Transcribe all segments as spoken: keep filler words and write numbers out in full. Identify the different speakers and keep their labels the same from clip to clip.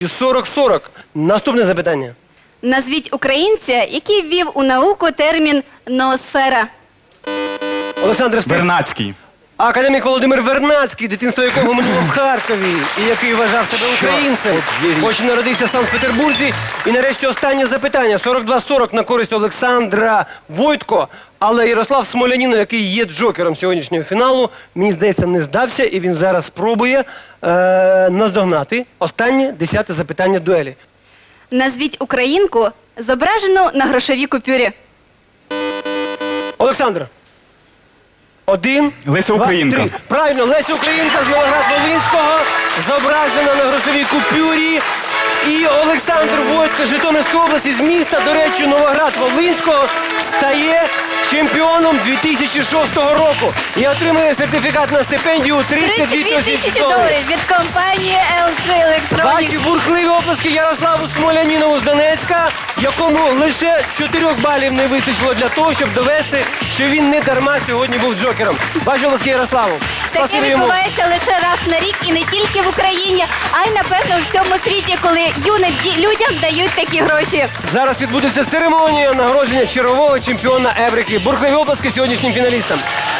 Speaker 1: сорок сорок. Наступне запитання.
Speaker 2: Назвіть українця, який ввів у науку термін «ноосфера».
Speaker 1: Олександр Встиг.
Speaker 3: Вернадський.
Speaker 1: Академік Володимир Вернадський, дитинство якого минуло в Харкові, і який вважав себе українцем, хоч і народився в Санкт-Петербурзі. І нарешті останнє запитання. сорок два сорок на користь Олександра Войтко. Але Ярослав Смолянінов, який є джокером сьогоднішнього фіналу, мені здається, не здався, і він зараз спробує е, наздогнати останнє десяте запитання дуелі.
Speaker 2: Назвіть українку, зображену на грошовій купюрі.
Speaker 1: Олександр. Один,
Speaker 3: Леся
Speaker 1: два,
Speaker 3: Українка.
Speaker 1: три. Правильно, Леся Українка з Новоград-Волинського, зображена на грошовій купюрі. І Олександр Войтко з Житомирської області, з міста, до речі, Новоград-Волинського, стає чемпіоном дві тисячі шостого року і отримує сертифікат на стипендію тридцять дві тисячі доларів.
Speaker 2: від компанії ел джі Electronics.
Speaker 1: Ваші бурхливі оплески Ярославу Смолянінову з Донецька, якому лише чотирьох балів не вистачило для того, щоб довести, що він не дарма сьогодні був джокером. Ваші оплески Ярославу.
Speaker 2: Таке
Speaker 1: Спасибі йому.
Speaker 2: відбувається лише раз на рік і не тільки в Україні, а й, напевно, у всьому світі, коли юним ді- людям дають такі гроші.
Speaker 1: Зараз відбудеться церемонія нагородження чергового чемпіона Еврики. Бурхливі оплески сьогоднішнім фіналістам.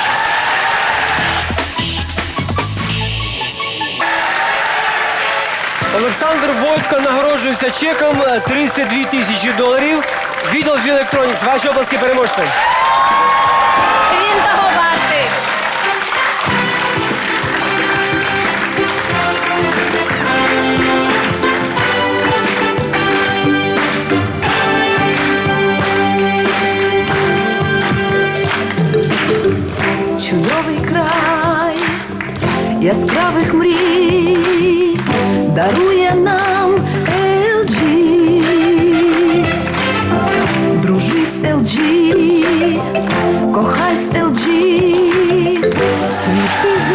Speaker 1: Олександр Войтко нагороджується чеком тридцять дві тисячі доларів від ел джі Electronics. Ваші оплески переможцям.
Speaker 2: Він того вартий.
Speaker 4: Чудовий край яскравих мрій дарує нам ел джі. Дружи з ел джі, кохай з ел джі, світи